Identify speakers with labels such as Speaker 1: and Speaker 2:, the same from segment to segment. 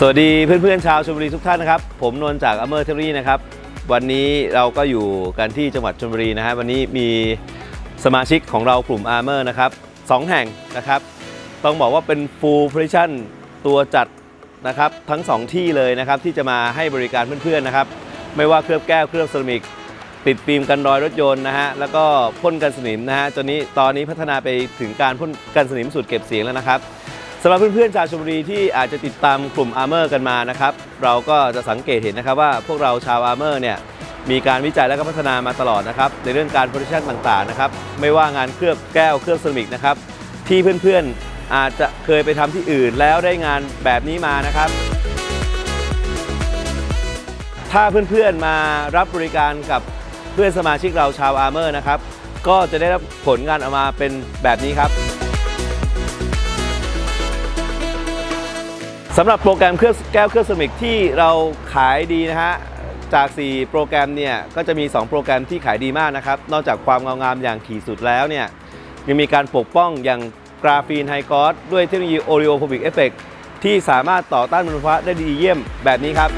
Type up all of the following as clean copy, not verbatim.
Speaker 1: สวัสดีเพื่อนๆชาวชลบุรีทุกท่านนะครับผมนนท์จากอเมอร์เทอรี่นะครับวันนี้เราก็อยู่กันที่จังหวัดชลบุรีนะฮะวันนี้มีสมาชิกของเรากลุ่มอาร์เมอร์นะครับ2แห่งนะครับต้องบอกว่าเป็น full position ตัวจัดนะครับทั้ง2ที่เลยนะครับที่จะมาให้บริการเพื่อนๆนะครับไม่ว่าเคลือบแก้วเคลือบเซรามิกติดฟิล์มกันรอยรถยนต์นะฮะแล้วก็พ่นกันสนิมนะฮะตอนนี้พัฒนาไปถึงการพ่นกันสนิมสูตรเก็บเสียงแล้วนะครับสำหรับเพื่อนๆชาวชลบุรีที่อาจจะติดตามกลุ่มอาร์เมอร์กันมานะครับเราก็จะสังเกตเห็นนะครับว่าพวกเราชาวอาร์เมอร์เนี่ยมีการวิจัยและก็พัฒนามาตลอดนะครับในเรื่องการโปรดักชันต่างๆนะครับไม่ว่างานเคลือบแก้วเคลือบเซรามิกนะครับที่เพื่อนๆอาจจะเคยไปทำที่อื่นแล้วได้งานแบบนี้มานะครับถ้าเพื่อนๆมารับบริการกับเพื่อนสมาชิกเราชาวอาร์เมอร์นะครับก็จะได้รับผลงานออกมาเป็นแบบนี้ครับสำหรับโปรแกรมเคลือบแก้วเคลือบเซรามิกที่เราขายดีนะฮะจาก4โปรแกรมเนี่ยก็จะมี2โปรแกรมที่ขายดีมากนะครับนอกจากความเงางามอย่างขีดสุดแล้วเนี่ยยังมีการปกป้องอย่างกราฟีนไฮกอสด้วยเทคโนโลยีโอริโอโฟบิกเอฟเฟกต์ที่สามารถต่อต้านมลพิษได้ดีเยี่ยมแบบนี้ครับ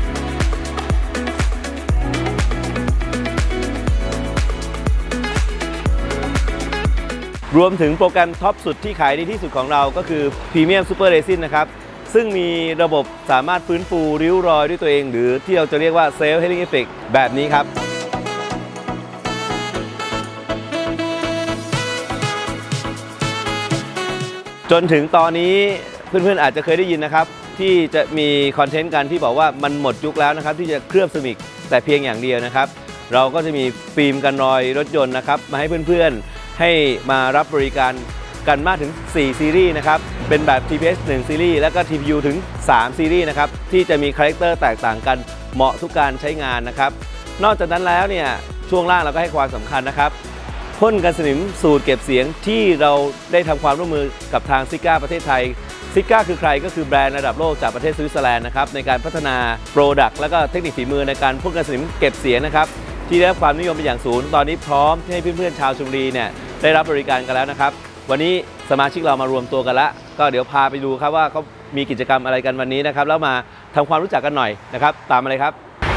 Speaker 1: รวมถึงโปรแกรมท็อปสุดที่ขายดีที่สุดของเราก็คือ Premium Super Resin นะครับซึ่งมีระบบสามารถฟื้นฟูริ้วรอยด้วยตัวเองหรือที่เราจะเรียกว่า Self Healing Effect แบบนี้ครับจนถึงตอนนี้เพื่อนๆอาจจะเคยได้ยินนะครับที่จะมีคอนเทนต์กันที่บอกว่ามันหมดยุคแล้วนะครับที่จะเคลือบเซรามิกแต่เพียงอย่างเดียวนะครับเราก็จะมีฟิล์มกันรอยรถยนต์นะครับมาให้เพื่อนๆให้มารับบริการกันมากถึง4ซีรีส์นะครับเป็นแบบ TPS 1 ซีรีส์แล้วก็ TPU ถึง3ซีรีส์นะครับที่จะมีคาแรคเตอร์แตกต่างกันเหมาะทุกการใช้งานนะครับนอกจากนั้นแล้วเนี่ยช่วงล่างเราก็ให้ความสำคัญนะครับพ่นกันสนิมสูตรเก็บเสียงที่เราได้ทำความร่วมมือกับทางซิก้าประเทศไทยซิก้าคือใครก็คือแบรนด์ระดับโลกจากประเทศสวิตเซอร์แลนด์นะครับในการพัฒนาโปรดักต์และก็เทคนิคฝีมือในการพ่นกันสนิมเก็บเสียงนะครับที่ได้รับความนิยมเป็นอย่างสูงตอนนี้พร้อมให้เพื่อนๆชาวชลบุรีเนี่ยได้รับบริการกันแล้วนะครับวันนี้สมาชิกเรามารวมตัวกันแล้วก็เดี๋ยวพาไปดูครับว่าเขามีกิจกรรมอะไรกันวันนี้นะครับแล้วมาทำความรู้จักกันหน่อยนะครับตามมาเลยครับ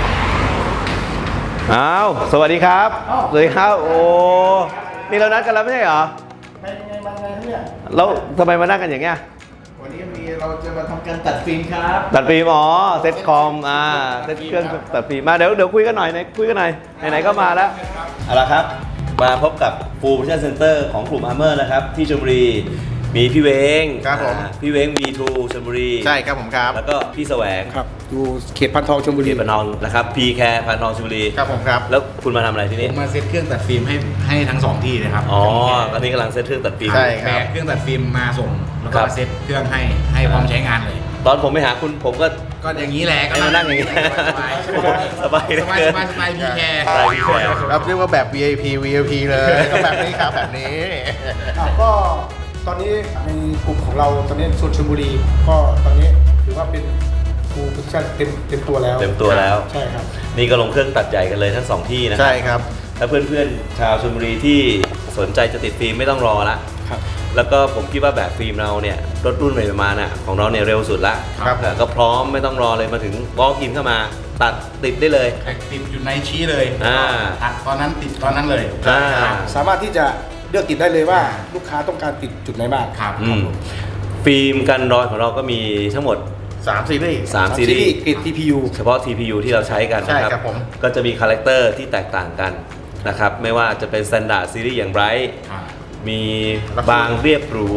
Speaker 1: อ้าวสวัสดีครับสวัสดีครับโอ้นี่เรานัดกันแล้วไม่ใช่เหรอ
Speaker 2: ไงมาไงครับเนี่ย
Speaker 1: แล้วทำไมมานั่งกันอย่างเงี้ย
Speaker 2: วันนี้เราจะมาทำการตัดฟิล์มครับ
Speaker 1: ตัดฟิล์มอ๋อเซ็ตคอมเซ็ตเครื่องตัดฟิล์มมาเดี๋ยวคุยกันหน่อยคุยกันหน่อยไหนๆก็มาแล้วเอาละครับมาพบกับ Full Position Center ของกลุ่ม Armor นะครับที่ชลบุรีมีพี่เวง
Speaker 2: ครับผม
Speaker 1: พี่เวง V2 ชลบุรี
Speaker 2: ใช่ครับผมครับ
Speaker 1: แล้วก็พี่แสวง
Speaker 3: ครับอยู่เขตพันทองชลบุรี
Speaker 1: เขตพันทองนะครับพีแคร์พันทองชลบุรี
Speaker 2: ครับผมครับ
Speaker 1: แล้วคุณมาทำอะไรที่นี่
Speaker 3: มาเซตเครื่องตัดฟิล์มให้ทั้ง2ที่นะครับ
Speaker 1: อ๋อตอนนี้กำลังเซตเครื่องตัดฟิล์ม
Speaker 2: ใช่ครับ
Speaker 3: แบกเครื่องตัดฟิล์มมาส่งแล้วก็เซตเครื่องให้พร้อมใช้งานเลย
Speaker 1: ตอนผมไปหาคุณผมก็
Speaker 3: อย่างนี้แหละ
Speaker 1: ก็มานั่งอย่างนี้สบาย
Speaker 3: พีแคร์
Speaker 2: รับเรียกว่าแบบ VIP เลยก็แบบนี้ครับแบบนี้
Speaker 3: ก็ตอนนี้ในกลุ่มของเราตอนนี้ส่วนชลบุรีก็ตอนนี้ถือว่าเป็นฟูลโพซิชั่นเต็มตัวแล้วใช่ครับ
Speaker 1: นี่ก็ลงเครื่องตัดใหญ่กันเลยทั้ง2ที่นะ
Speaker 2: ใช่ครับ
Speaker 1: ถ้าเพื่อนๆชาวชลบุรีที่สนใจจะติดฟิล์มไม่ต้องรอละแล้วก็ผมคิดว่าแบบฟิล์มเราเนี่ยรถรุ่นใหม่ประมาณน่ะของเราเนี่ยเร็วสุดละก็พร้อมไม่ต้องรอเลยมาถึงวอล์กอินเข้ามาตัดติดได้เลย
Speaker 3: ติดอยู่ในชี้เลยตัดตอนนั้นติดตอนนั้นเลยสามารถที่จะเลือกติดได้เลยว่าลูกค้าต้องการติดจุดไหนบ้าง
Speaker 1: ครับฟิล์มกันรอยของเราก็มีทั้งหมด
Speaker 2: 3 ซีรีส์
Speaker 1: ซีรีส์
Speaker 3: เกรด TPU
Speaker 1: เฉพาะ TPU ที่เราใช้กันนะครับก็จะมีคาแรคเตอร์ที่แตกต่างกันนะครับไม่ว่าจะเป็น Standard Series อย่าง Bright มีบางเรียบหรู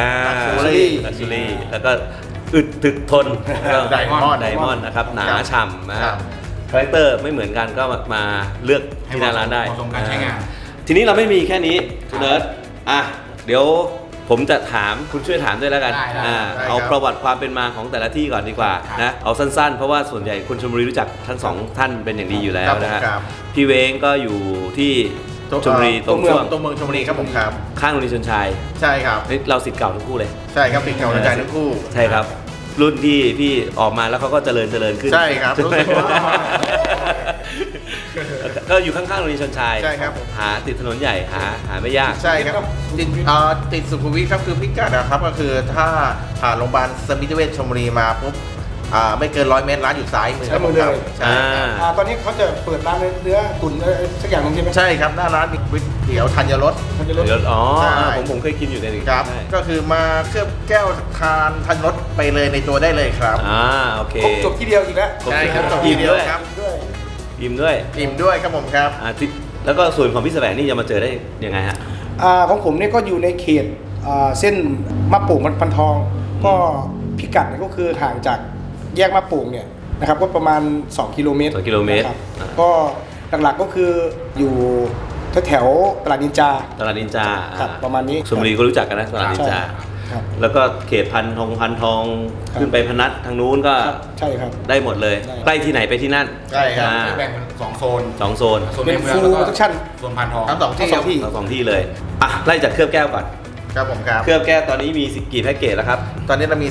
Speaker 1: Luxury แล้วก็อึดถึกทน
Speaker 2: ไดม
Speaker 1: อนด์นะครับหนาฉ่ำนะครับคาแรคเตอร์ไม่เหมือนกันก็มาเลือกที่หน้าร้านได้ทีนี้เราไม่มีแค่นี้คุณเนิร์ดเดี๋ยวผมจะถามคุณช่วยถามด้วยแล้วกันเอาประวัติความเป็นมาของแต่ละที่ก่อนดีกว่านะเอาสั้นๆเพราะว่าส่วนใหญ่คนชลบุรีรู้จักทั้ง2ท่านเป็นอย่างดีอยู่แล้วนะฮะพี่เวงก็อยู่ที่ชลบุรี
Speaker 2: ตัวเมืองชลบุรีครับผมครับ
Speaker 1: ข้างโรงเรียนชลชัย
Speaker 2: ใช่ครับ
Speaker 1: เราศิษย์เก่าทั้งคู่เลย
Speaker 2: ใช่ครับศิษย์เก่าอาจารย์ทั้งคู่
Speaker 1: ใช่ครับรุ่นที่พี่ออกมาแล้วเขาก็เจริญขึ้น
Speaker 2: ใช่ครับ
Speaker 1: ก็อยู่ข้างๆโรงเรียนชลชัย
Speaker 2: ใช่ครับ
Speaker 1: หาติดถนนใหญ่หาไม่ยาก
Speaker 2: ใช่ครับติดสุขุมวิทครับคือพิกัดนะครับก็คือถ้าผ่านโรงพยาบาลสมิติเวชชลบุรีมาปุ๊บไม่เกิน100 เมตรร้านอยู่ซ้ายมือครับผม
Speaker 3: ซ้ายมือเลย
Speaker 2: ใช่ครับ
Speaker 3: ตอนนี้เขาจะเปิดร้านเนื้อตุ๋นอะไรสักอย่างหนึงใช่ไหม
Speaker 2: ใช่ครับหน้าร้านมีก๋วยเตี๋ยวธัญรส
Speaker 3: มันจะลด
Speaker 1: เดี๋ยวอ๋อ
Speaker 2: ใช่
Speaker 1: ผมเคยกินอยู่ในหนึ่ง
Speaker 2: ครับ
Speaker 1: ใช่
Speaker 2: ก็คือมาเคลือบแก้วทานธัญรสไปเลยในตัวได้เลยครับ
Speaker 1: โอเค
Speaker 3: ครบจบที่เดียวอีกแล้ว
Speaker 2: ใช่ครับจบ
Speaker 1: อิ่ม
Speaker 2: ทีเดียว
Speaker 1: ด้วย
Speaker 2: ครับ
Speaker 3: ด้วย
Speaker 1: อิ่มด้วย
Speaker 2: อิ่มด้วยครับผมครับ
Speaker 1: แล้วก็ส่วนของพี่แสวงนี่จะมาเจอได้ยังไงฮะ
Speaker 3: ของผมเนี่ยก็อยู่ในเขตเส้นมะโป่งพันทอง ก็พิกัดเนี่ยก็คือห่างจากแยกมะโป่งเนี่ยนะครับก็ประมาณ 2 กิโลเมตร
Speaker 1: 2 กิโลเมตร
Speaker 3: นะครับ
Speaker 1: อ่า
Speaker 3: ก็หลักๆก็คืออยู่แถวๆตลาดนินจา
Speaker 1: ตลาดนินจา
Speaker 3: ครับประมาณนี้
Speaker 1: ชลบุรีก็รู้จักกันนะตลาดนินจา
Speaker 3: ครับ
Speaker 1: แล้วก็เขตพันทอง
Speaker 3: ครับ
Speaker 1: ขึ้นไปพนัสทางนู้นก็
Speaker 3: ครับใช่ครับ
Speaker 1: ได้หมดเลย
Speaker 3: ได้
Speaker 1: ใกล้ที่ไหนไปที่นั่น
Speaker 2: ใช่ครับ
Speaker 1: อ่า
Speaker 4: แบ่งเป็น2 โซน
Speaker 1: 2 โซน
Speaker 4: โซน
Speaker 3: เป็น
Speaker 4: ในเมือง
Speaker 3: full
Speaker 4: แล้วก็
Speaker 3: protection
Speaker 4: โซนพันทอง
Speaker 2: ทั้งสองที่
Speaker 3: ทั้งสองที่
Speaker 1: ทั้งสองที่เลยไล่จากเคลือบแก้วก่อน
Speaker 2: ครับผมครับ
Speaker 1: เคลือบแก้วตอนนี้มีกี่แพ็กเกจแล้วครับ
Speaker 2: ตอนนี้เรามี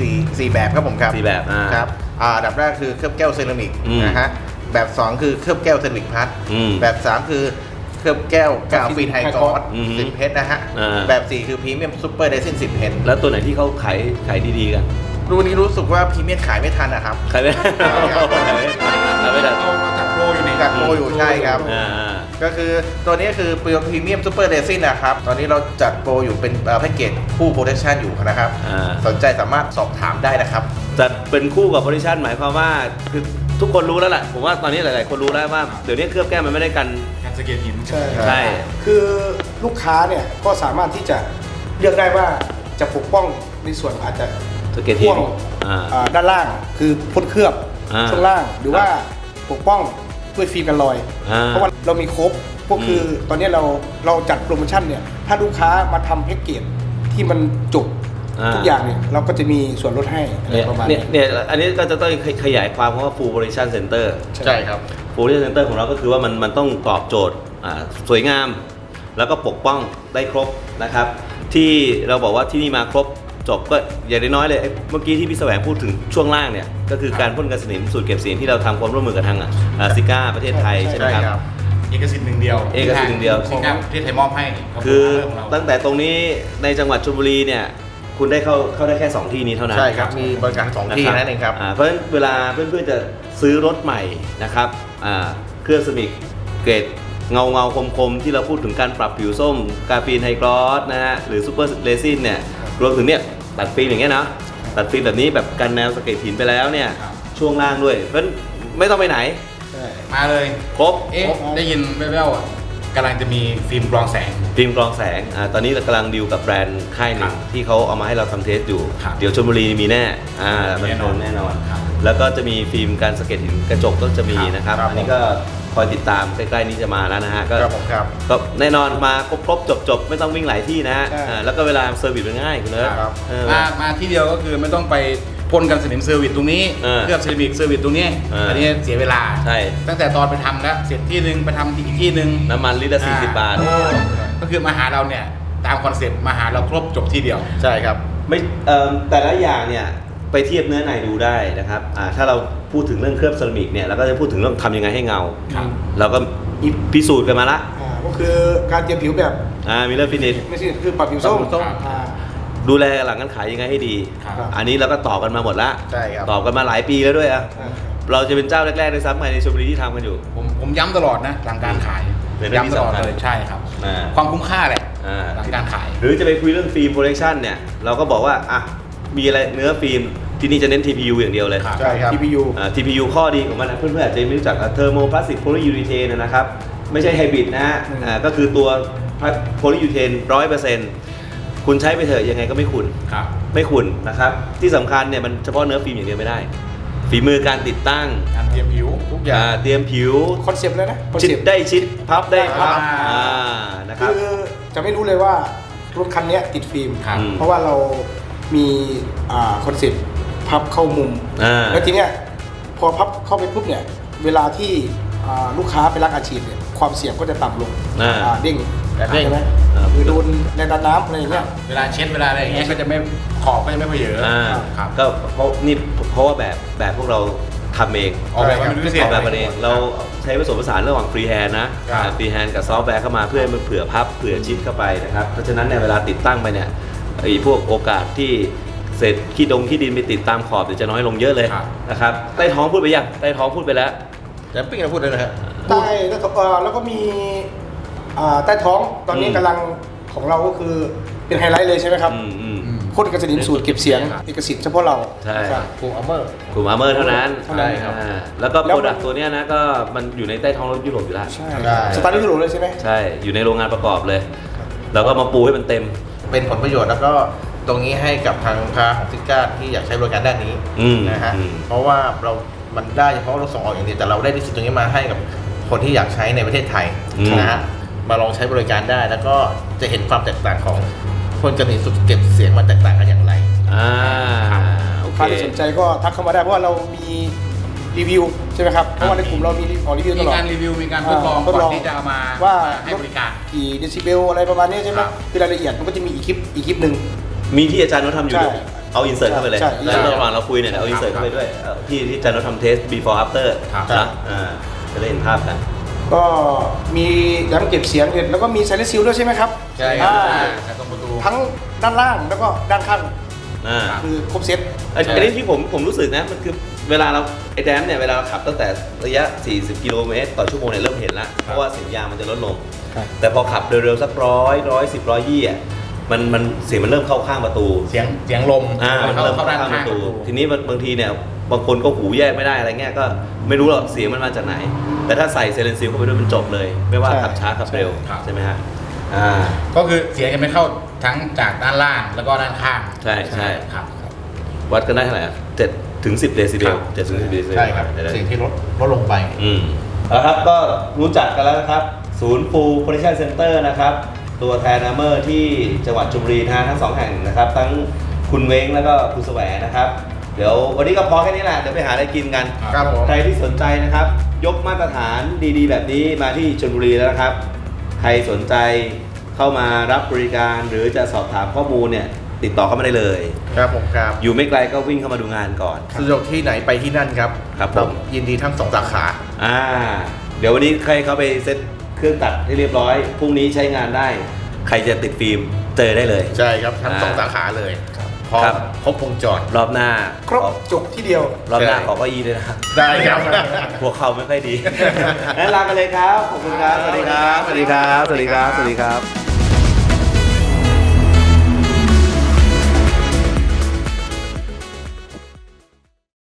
Speaker 2: 4แบบครับผมครับ
Speaker 1: 4 แบบ
Speaker 2: ครับอันดับแรกคือเคลือบแก้วเซรามิก
Speaker 1: อืม
Speaker 2: นะฮะแบบ 2 คือเคลือบแก้วเซรามิกพัด
Speaker 1: อืม
Speaker 2: แบบ 3 คือเคลือบแก้วกาวฟินไฮกอส
Speaker 1: อืม
Speaker 2: 10 เพชรนะฮะ
Speaker 1: อ่า
Speaker 2: แบบ 4 คือพรีเมียมซูเปอร์เดซิน10 เพชร
Speaker 1: แล้วตัวไหนที่เขาขายดีๆกัน
Speaker 2: รุ่นนี้รู้สึกว่าพรีเมียมขายไม่ทันนะครับ
Speaker 1: ขายไม่
Speaker 2: ครับ
Speaker 1: ขายไม่ได้
Speaker 4: เราจัดโปรอยู่นี่
Speaker 2: จากโปรอยู่ใช่ครับ
Speaker 1: อ่า
Speaker 2: ก็คือตัวนี้คือพรีเมียมซูเปอร์เดซินนะครับ ตอนนี้เราจัดโปรอยู่เป็นแพ็กเกจคู่โปรดักชันอยู่นะครับ สนใจสามารถสอบถามได้นะครับ
Speaker 1: จัดเป็นคู่กับโพซิชันหมายความว่าคือทุกคนรู้แล้วแหละผมว่าตอนนี้หลายๆคนรู้แล้วว่าเดี๋ยวนี้เคลือบแก้วมันไม่ได้กัน
Speaker 4: การสเกตหิน
Speaker 3: ใช่
Speaker 1: ใช่
Speaker 3: คือลูกค้าเนี่ยก็สามารถที่จะเลือกได้ว่าจะปกป้องในส่วนอาจจะ
Speaker 1: สเก็ตหิน
Speaker 3: พ่วง ด้านล่างคือพ่นเคลือบ
Speaker 1: อ่า
Speaker 3: ช่วงล่างหรือว่าปกป้องด้วยฟิล์มกันรอย เพราะว่าเรามีครบก็คือตอนนี้เราจัดโปรโมชั่นเนี่ยถ้าลูกค้ามาทำแพ็กเกจที่มันจบทุกอย่างเนี่ยเราก็จะมีส่วนลดให้อะไร
Speaker 1: เนี่ย
Speaker 3: ประมาณ
Speaker 1: เนี่ย
Speaker 3: นี้
Speaker 1: เนี่ยอันนี้ก็จะต้องขยายความว่า full operation center
Speaker 2: ใช่ครับ
Speaker 1: full operation center ของเราก็คือว่ามันต้องตอบโจทย์สวยงาม แล้วก็ปกป้องได้ครบนะครับ ที่เราบอกว่าที่นี่มาครบจบก็อย่างน้อยๆเลยเมื่อกี้ที่พี่แสวงพูดถึงช่วงล่างเนี่ยก็คือการพ่นกันสนิมสูตรเก็บเสียงที่เราทำความร่วมมือกับทางซิก้าประเทศไทยใช่ไหมครับ
Speaker 4: เอกสิทธิ์หนึ่งเดียว
Speaker 1: เอกสิทธิ์หนึ่งเดียว
Speaker 4: ที่ทางประเทศไทยมอบให้รับ
Speaker 1: คือ
Speaker 4: เรื่องของเรา
Speaker 1: ตั้งแต่ตรงนี้ในจังหวัดชลบุรีเนี่ยคุณได้เข้าได้แค่ 2 ที่นี้เท่านั้น
Speaker 2: ใช่ครับ มีบริการ2ที่นั่นเองครับ
Speaker 1: เพราะฉะนั้นเวลาเพื่อนๆจะซื้อรถใหม่นะครับเครื่องสมิกเกรดเงาคมๆที่เราพูดถึงการปรับผิวส้มกาฟีนไฮกรอสนะฮะหรือซูเปอร์เรซินเนี่ยรวมถึงเนี่ยตัดฟิล์มอย่างเงี้ยนะตัดฟิล์มแบบนี้แบบกันแนวสะเก็ดหินไปแล้วเนี่ยช่วงล่างด้วยเพราะฉะนั้นไม่ต้องไปไหน
Speaker 4: มาเลย
Speaker 1: ครบ
Speaker 4: ได้ยินแว่วๆกำลังจะมีฟิล์มกรองแสง
Speaker 1: ฟิล์มกรองแสงตอนนี้เรากำลังดีลกับแบรนด์ค่ายหนึ่งที่เขาเอามาให้เราทำเทสอยู่
Speaker 4: ครับ
Speaker 1: เดี๋ยวชลบุรีมีแน่มันโดนแน่นอน
Speaker 4: ครับ
Speaker 1: แล้วก็จะมีฟิล์มการสะเก็ดหินกระจกก็จะมีนะครับ
Speaker 2: ครับ
Speaker 1: อันนี้ก็คอยติดตามใกล้ๆนี้จะมาแล้วนะฮะก็
Speaker 2: ครับผมครับ
Speaker 1: ก็แน่นอนมาครบจบไม่ต้องวิ่งหลายที่นะฮะ
Speaker 3: ใช่
Speaker 1: แล้วก็เวลาเซอร์วิสมันง่ายคุณเนิร์ด
Speaker 2: ครับ
Speaker 4: มาที่เดียวก็คือไม่ต้องไปพ่นกันสนิมเซอร์วิสตรงนี้ เคลือบเซรามิกเซอร์วิสตรงนี้ อันนี้เสียเวลา
Speaker 1: ใช่
Speaker 4: ตั้งแต่ตอนไปทำแล้วเสร็จที่หนึ่งไปทำอีกที่หนึ่ง
Speaker 1: น้ำมันลิตรละ40 บาท
Speaker 4: ก็คือมาหาเราเนี่ยตามคอนเซ็ปต์มาหาเราครบจบที่เดียว
Speaker 2: ใช่ครับ
Speaker 1: ไม่แต่ละอย่างเนี่ยไปเทียบเนื้อในดูได้นะครับถ้าเราพูดถึงเรื่องเคลือบเซรามิกเนี่ยเราก็จะพูดถึงเรื่องทำยังไงให้เงา
Speaker 4: ครับ
Speaker 1: เราก็พิสูจน์กันมาละ
Speaker 3: ก็คือการเตรียมผิวแบบ
Speaker 1: มิเลอร์ฟินิช
Speaker 3: ไม่ใช่คือปรับผิวส้ม
Speaker 2: ปรับผิวส้ม
Speaker 1: ดูแลหลังการขายยังไงให้ดี
Speaker 4: ครับ
Speaker 1: อันนี้เราก็ตอบกันมาหมดละ
Speaker 2: ใช่ครับ
Speaker 1: ตอบกันมาหลายปีแล้วด้วยเราจะเป็นเจ้าแรกๆในซ้ำในชลบุรีที่ทำกันอยู่
Speaker 4: ผมย้ำตลอดนะหลังการขาย
Speaker 1: เป็นเรื่องที่
Speaker 4: ย้ำตลอด
Speaker 1: สำคัญ
Speaker 4: เลยใช่ครับ
Speaker 1: อ่า
Speaker 4: ความคุ้มค่าแหละ
Speaker 1: อ่า
Speaker 4: หลังการขาย
Speaker 1: หรือจะไปคุยเรื่องฟิล์มโปรดักชันเนี่ยเราก็บอกว่ามีอะไรเนื้อฟิล์มที่นี่จะเน้น TPU อย่างเดียวเลย
Speaker 4: ครับ
Speaker 2: ใช่ครับ
Speaker 3: TPU
Speaker 1: TPU ข้อดีของมันนะเพื่อนๆอาจจะไม่รู้จักเทอร์โมพลาสติกโพลียูริเทนนะครับไม่ใช่ไฮบริดนะฮะก็คือตัวโพลียูริเทน100%คุณใช้ไปเถอะยังไงก็ไม่ขุ่น
Speaker 4: ครับ
Speaker 1: ไม่ขุ่นนะครับที่สำคัญเนี่ยมันเฉพาะเนื้อฟิล์มอย่างเดียวไม่ได้ฝีมือการติดตั้ง
Speaker 4: การเตรียมผิว
Speaker 2: ทุกอย่าง
Speaker 1: เตรียมผิว
Speaker 3: คอนเซปต์เลยนะคอน
Speaker 1: ชิ
Speaker 3: เซ
Speaker 1: ด
Speaker 3: ปต์
Speaker 1: ได้ชิดพับได้พับ
Speaker 4: อ่า
Speaker 1: นะครับ
Speaker 3: คือจะไม่รู้เลยว่ารถคันนี้ติดฟิล์ม
Speaker 4: ครับ
Speaker 3: เพราะว่าเรามีคอนเซปต์พับเข้ามุม แล้วทีเนี้ยพอพับเข้าไปปุ๊บเนี่ยเวลาที่ลูกค้าไปรักอาชีพเนี่ยความเสี่ยงก็จะต่ำลงเด้ง
Speaker 2: เด้ง
Speaker 3: ใช่ไหมหรือโดนแรงดันน้ำอะไรอย่างเงี้ย
Speaker 4: เวลาเช็ดเวลาอะไรอย่างเงี้ยก็จะไม่ขอบก็จะไม่เพเยอะครับ
Speaker 1: ก็เพราะว่าแบบพวกเราทำเอง
Speaker 4: ออกแบบมาเป็นพิเศษ
Speaker 1: ออกแบบมาเองเราใช้ผสมผสานระหว่างฟรีแฮนด์นะฟรีแฮนด์กับซอฟต์แวร์เข้ามาเพื่อให้มันเผื่อพับเผื่อชิดเข้าไปนะครับเพราะฉะนั้นเนี่ยเวลาติดตั้งไปเนี่ยไอ้พวกโอกาสที่เศษขี้ดินไปติดตามขอบเดี๋ยวจะน้อยลงเยอะเลยนะครับใต้ท้องพูดไปยังใต้ท้องพูดไปแล้ว
Speaker 2: แต่ปิ้งเราพูดเลยนะฮะ
Speaker 3: ใต้แล้วก็มีใต้ท้องตอนนี้กำลังของเราก็คือเป็นไฮไลท์เลยใช่ไหมครับพ่นกับสนิมสูตรเก็บเสียงเอกสิทธิ์เฉพาะเรา
Speaker 1: ใช่
Speaker 3: ครับ
Speaker 2: กลุ่มอัลเมอร์
Speaker 1: กลุ่มอาร์เมอร์เท่านั้น
Speaker 3: ใช่ครับ
Speaker 1: แล้วก็โปรดักต์ตัวเนี้ยนะก็มันอยู่ในใต้ท้องรถยุโรปอยู่แล้ว
Speaker 3: ใช่สตาร์ทที่ถูกเลยใช่ไหม
Speaker 1: ใช่อยู่ในโรงงานประกอบเลยแล้วก็มาปูให้มันเต็ม
Speaker 2: เป็นผลประโยชน์แล้วก็ตรงนี้ให้กับทางลูกค้าของซิก้าที่อยากใช้บริการด้านนี้นะฮะเพราะว่ามันได้เฉพาะเราส่งออกอย่างเดียวแต่เราได้ดิสตรงนี้มาให้กับคนที่อยากใช้ในประเทศไทยนะฮะมาลองใช้บริการได้แล้วก็จะเห็นความแตกต่างของคนจะมีสุดเก็บเสียงมันแตกต่างกันอย่างไร
Speaker 1: โอ
Speaker 3: ลูก
Speaker 1: เค
Speaker 3: ค้าที่สนใจก็ทักเข้ามาได้เพราะว่าเรามีรีวิวใช่ไหมครับเพราะว่าในกลุ่มเรามีรีวิวต
Speaker 4: มี
Speaker 3: ลอด
Speaker 4: การรีวิวมีการทดลองก่อนที่จะเอามา
Speaker 3: ว่า
Speaker 4: ให้บริการ
Speaker 3: กี่เดซิเบลอะไรประมาณนี้ใช่ไหม
Speaker 4: ครับ
Speaker 3: คือรายละเอียดมันก็จะมีอีกคลิปหนึ่ง
Speaker 1: มีที่อาจารย์นททำอยู่ด้วย
Speaker 3: ใช่
Speaker 1: เอาอินเสิร์ตเข้าไปเลย
Speaker 3: ใช่
Speaker 1: แล้วระหว่างเราคุยเนี่ยเอาอินเสิร์ตเข้าไปด้วยที่อาจารย์นททำเทส before after
Speaker 4: ครับ
Speaker 1: นะจะได้เห็นภาพกัน
Speaker 3: ก็มียังเก็บเสียงเด็ดแล้วก็มีไซเลนซิลด้วยใช่ไหมครับ
Speaker 4: ใช่ครับ
Speaker 3: อ่า
Speaker 4: แต่ตรงประตู
Speaker 3: ทั้งด้านล่างแล้วก็ด้านข้าง
Speaker 4: ครับ
Speaker 3: คือครบเซต
Speaker 1: อันนี้ที่ผมรู้สึกนะมันคือเวลาเราไอ้แดมเนี่ยเวลาเราขับตั้งแต่ระยะ 40 กิโลเมตรต่อชั่วโมงเนี่ยเริ่มเห็นแล้วเพราะว่าเสียงยางมันจะลดลง
Speaker 3: ครับ
Speaker 1: แต่พอขับเร็วๆสัก110 120อ่ะมันเสียงมันเริ่มเข้าข้างประตู
Speaker 4: เสียงลม
Speaker 1: มันเริ่ม
Speaker 4: เข้า
Speaker 1: เข้า
Speaker 4: ด้าน
Speaker 1: ข้างป
Speaker 4: ข้าง
Speaker 1: ระ
Speaker 4: ป
Speaker 1: ตู
Speaker 4: ระตู
Speaker 1: ทีนี้บางทีเนี่ยบางคนก็หูแยกไม่ได้อะไรเงี้ยก็ไม่รู้หรอกเสียงมันมาจากไหน แต่ถ้าใส่เซเลนซิลเข้าไปด้วยมันจบเลย ไม่ว่า
Speaker 3: ใช่
Speaker 1: ขับช้าขับเร็ว
Speaker 4: ครับ
Speaker 1: ใช่ไหมฮะ
Speaker 4: ก็คือเสียงจะไม่เข้าทั้งจากด้านล่างแล้วก็ด้านข้าง
Speaker 1: ใช่ใช่
Speaker 4: ครับ
Speaker 1: วัดกันได้เท่าไหร่อะ7 ถึง 10 เดซิเบล
Speaker 4: ครับ
Speaker 1: 7 ถึง 10 เดซิเบล
Speaker 2: ใช่ครับเสียงที่ลดลงไป
Speaker 1: แล้วครับก็รู้จักกันแล้วนะครับ ศูนย์ฟูโปรดักชั่นเซ็นเตอร์นะครับ ตัวแทนอาร์เมอร์ที่จังหวัดชลบุรีทั้ง 2 แห่งนะครับ ทั้งคุณเว้งแล้วก็คุณแสวงนะครับ เดี๋ยววันนี้ก็พอแค่นี้แหละ เดี๋ยวไปหาอะไรกินกัน
Speaker 2: ครับผม
Speaker 1: ใครที่สนใจนะครับ ยกมาตรฐานดีๆ แบบนี้มาที่ชลบุรีแล้วนะครับ ใครสนใจเข้ามารับบริการหรือจะสอบถามข้อมูลเนี่ยติดต่อเข้ามาได้เลย
Speaker 2: ครับผมครับ
Speaker 1: อยู่ไม่ไกลก็วิ่งเข้ามาดูงานก่อน
Speaker 2: สะดวกที่ไหนไปที่นั่นครับ
Speaker 1: ครับผม
Speaker 2: ยินดีทั้ง2 สาขา
Speaker 1: เดี๋ยววันนี้ใครเข้าไปเซ็ตเครื่องตัดให้เรียบร้อยพรุ่งนี้ใช้งานได้ ใครจะติดฟิล์มเจอได้เลย
Speaker 2: ใช่ครับทั้ง2 สาขาเลยพร้อ
Speaker 1: ครั
Speaker 2: ม
Speaker 1: บ
Speaker 2: ครบวงจร
Speaker 1: รอบหน้า
Speaker 3: ครบจบที่เดียว
Speaker 1: รอบหน้า
Speaker 2: ใช่
Speaker 1: ขอเก้าอี้ด้วยนะครับ
Speaker 2: ได้ครับ
Speaker 1: หัวเข่าไม่ค่อยดี งั้นลากันเลยครับ ขอบคุณครับ สวัสดีครับ สวัสดีครับ สวัสดีครับ สวัสดีครับ